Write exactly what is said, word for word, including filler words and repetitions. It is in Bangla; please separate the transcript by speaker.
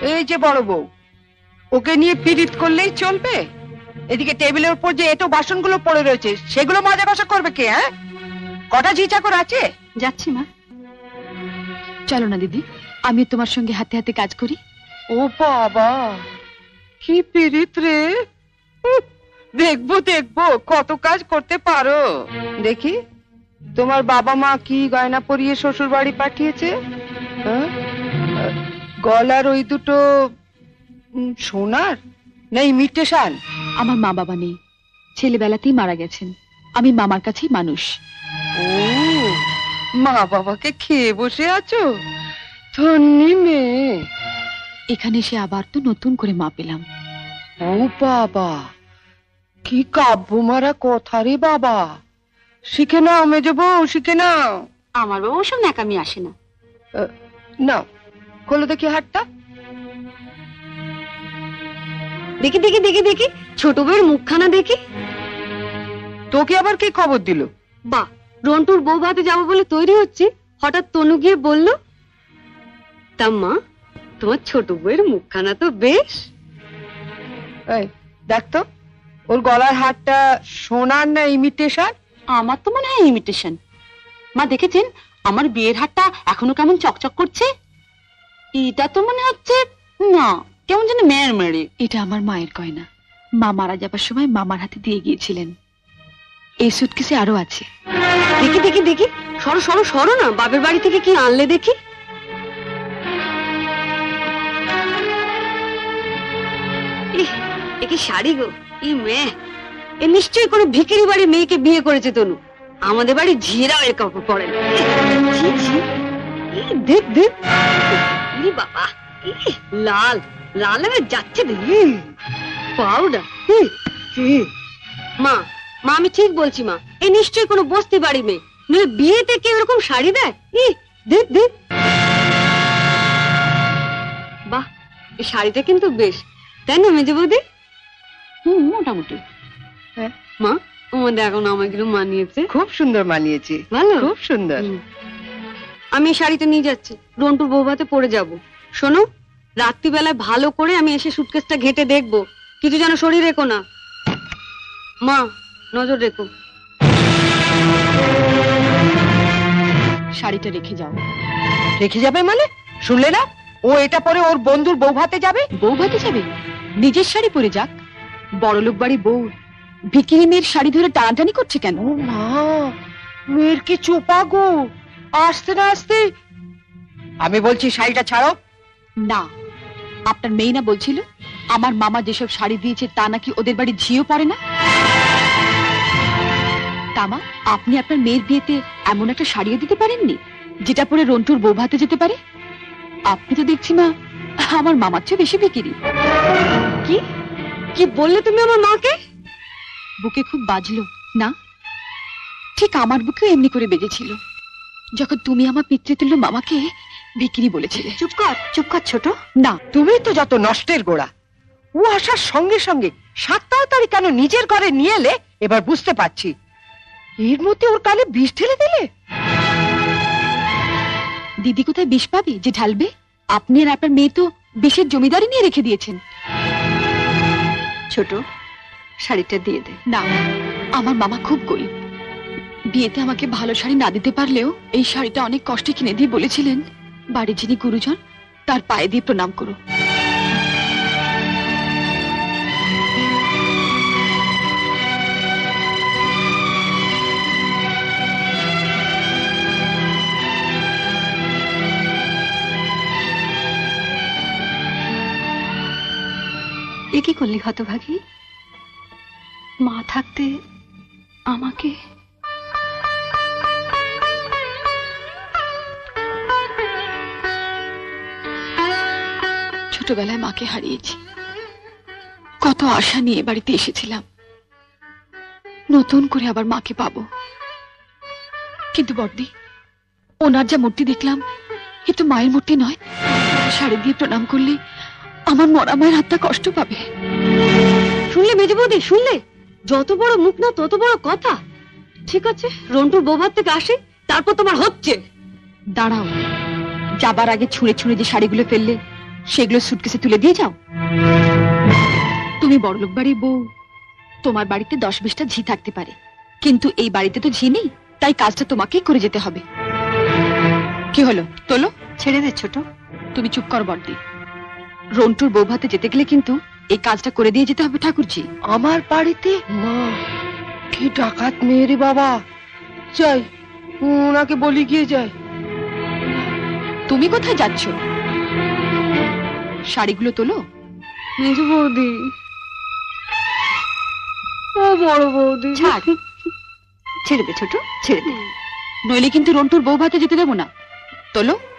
Speaker 1: এই যে বড় বউ, ওকে নিয়ে পীড়িত করলেই চলবে? এদিকে টেবিলের উপর যে এটো বাসনগুলো পড়ে রয়েছে সেগুলো মাজা কষা করবে কে? হ্যাঁ, কটা ঝি চাকর আছে?
Speaker 2: যাচ্ছি মা। চলো না দিদি, আমি তোমার সঙ্গে হাতে হাতে কাজ করি।
Speaker 1: ও বাবা, কি পীড়িত রে! দেখবো দেখবো কত কাজ করতে পারো। দেখি তোমার বাবা মা কি গয়না পরিয়ে শ্বশুর বাড়ি পাঠিয়েছে। গলার ওই দুটো সোনার না ইমিটেশন?
Speaker 2: আমার মা বাবা নেই, ছেলেবেলাতেই মারা গেছেন। আমি মামার কাছেই মানুষ।
Speaker 1: ও, মা বাবাকে খেয়ে বসে আছো? ধন্যি মেয়ে।
Speaker 2: এখানে এসে আবার তো নতুন করে মা পেলাম।
Speaker 1: ও বাবা, কি কাব্য মারা কথা রে বাবা। শিখে নাও মেজো বউ, শিখে নাও।
Speaker 2: আমার বাবা ওসব ন্যাকামি আসে না।
Speaker 1: নাও, খোলো দেখি হাতটা।
Speaker 2: দেখি দেখি দেখি দেখি ছোট বউয়ের মুখখানা দেখি।
Speaker 1: তোকে আবার কে খবর দিল?
Speaker 2: বা, রন্টুর বউ ভাতে যাবো বলে তৈরি হচ্ছে, হঠাৎ তনু গিয়ে বলল, তা মা তোমার ছোট বউয়ের মুখখানা তো বেশ।
Speaker 1: এই দেখ তো, ওর গলার হারটা সোনার না ইমিটেশন?
Speaker 2: আমার তো মনে হয় ইমিটেশন। মা দেখেছেন আমার বিয়ের হারটা এখনো কেমন চকচক করছে? এটা তো মনে হচ্ছে না, কেমন যেন মেয়ের মেরে। এটা আমার মায়ের গয়না, মা মারা যাবার সময় মামার হাতে দিয়ে গিয়েছিলেন। এই সুটকেসে আরো আছে। দেখি দেখি দেখি, সরো সরো সরো না, বাপের বাড়ি থেকে কি আনলে দেখি। এ কি শাড়ি গো, ই মেয়ে, এ নিশ্চয়ই কোনো ভিখারি বাড়ির মেয়েকে বিয়ে করেছে তনু। আমাদের বাড়ি ঝিরাও এর কাপড় পরে না। দেখ দেখ, বাবা লাল লাল হয়ে যাচ্ছে দেখি। পাউডার। মা মা আমি ঠিক বলছি মা, এ নিশ্চয়ই কোনো বস্তি বাড়ি মেয়ে, নইলে বিয়েতে কেউ এরকম শাড়ি দেয়? দেখ দেখ, বাহ, এই শাড়িটা কিন্তু বেশ, তাই না মেজে বৌদি? হম, মোটামুটি।
Speaker 1: হ্যাঁ
Speaker 2: মা, আমাদের এখন আমাগুলো মানিয়েছে।
Speaker 1: খুব সুন্দর মানিয়েছে,
Speaker 2: ভালো,
Speaker 1: খুব সুন্দর।
Speaker 2: আমি এই শাড়িটা নিয়ে যাচ্ছি, রন্টুর বউ ভাতে পরে যাবো। শোনো, রাত্রিবেলায় ভালো করে আমি এসে সুটকেসটা ঘেটে দেখবো, কিছু যেন শরীর রেখো না। মা নজর রেখো। শাড়িটা রেখে যাও।
Speaker 1: রেখে যাবে মানে? শুনলে না, ও এটা পরে ওর বন্ধুর বউ ভাতে যাবে।
Speaker 2: বউ ভাতে যাবে? নিজের শাড়ি পরে যাক। বড়লোক বাড়ি বউ ভিখিরি মেয়ের শাড়ি ধরে টানাটানি করছে কেন?
Speaker 1: ও মা, মেয়ের কি চোপা গো, আসতে না আসতে। আমি বলছি শাড়িটা ছাড়ো।
Speaker 2: না, আপনার মেয়ে না বলছিল আমার মামা যেসব শাড়ি দিয়েছে তা নাকি ওদের বাড়ি ঝিও পড়ে না? তামা, আপনি আপনার মেয়ের বিয়েতে এমন একটা শাড়িও দিতে পারেননি যেটা পরে রন্টুর বউ ভাতে যেতে পারে? আপনি তো দেখছি মা আমার মামার চেয়ে বেশি ভিখিরি। কি কি বললে তুমি আমার মাকে? বুকে খুব বাজলো না? ঠিক আমার বুকেও এমনি করে বেজেছিল যখন তুমি আমার পিতৃতুল্য মামাকে ভিখিরি বলেছিলে। চুপ কর, চুপ কর ছোট। না,
Speaker 1: তুমি তো যত নষ্টের গোড়া। ও আসার সঙ্গে সঙ্গে সাত তাড়াতাড়ি কেন নিজের ঘরে নিয়ে এলে এবার বুঝতে পারছি। এর মধ্যে ওর কানে বিষ ঢেলে দিলে।
Speaker 2: দিদি কোথায় বিষ পাবি যে ঢালবে? আপনি আর আপনার মেয়ে তো বিষের জমিদারি নিয়ে রেখে দিয়েছেন। ছোট, শাড়িটা দিয়ে দে। না, আমার মামা খুব গরিব, বিয়েতে আমাকে ভালো শাড়ি না দিতে পারলেও এই শাড়িটা অনেক কষ্টে কিনে দিয়ে বলেছিলেন বাড়ির যিনি গুরুজন তার পায়ে দিয়ে প্রণাম করো। এ কি করলি হতভাগী? মা থাকতে আমাকে ছোটবেলায় মাকে হারিয়েছি, কত আশা নিয়ে বাড়িতে এসেছিলাম, নতুন করে আবার মাকে পাবো। কিন্তু বড়দি, ওনার যা মূর্তি দেখলাম এ তো মায়ের মূর্তি নয়। শাড়ি দিয়ে প্রণাম করলে আমার মরা মায়ের হাতটা কষ্ট পাবে। শুনলে মেজে বৌদি, শুনলে? যত বড় মুখ না তত বড় কথা। ঠিক আছে, রন্টুর বৌভাত থেকে আসে, তারপর তোমার হচ্ছে। দাঁড়াও, যাবার আগে ছুঁড়ে ছুঁড়ে যে শাড়িগুলো ফেললে সেগুলো সুটকেসে তুলে দিয়ে যাও। তুমি বড়লোক বাড়ির বউ, তোমার বাড়িতে দশ বিশটা ঝি থাকতে পারে, কিন্তু এই বাড়িতে তো ঝি নেই, তাই কাজটা তোমাকেই করে যেতে হবে। কি হলো, তোলো। ছেড়ে দে ছোট। তুমি চুপ কর বড়দি। রন্টুর বউ ভাতে যেতে গেলে কিন্তু এই কাজটা করে দিয়ে যেতে হবে ঠাকুরজি।
Speaker 1: আমার বাড়িতে? মা, কি ডাকাত মেয়ে রে বাবা। যাই, ওনাকে বলি গিয়ে যায়।
Speaker 2: তুমি কোথায় যাচ্ছ? শাড়িগুলো তোলো।
Speaker 1: মেজো বৌদি, ও বড় বৌদি,
Speaker 2: ছাড়। ছেড়ে দে ছোট, ছেড়ে দে, নইলে কিন্তু রন্টুর বউ ভাতে যেতে দেবো না। তোলো।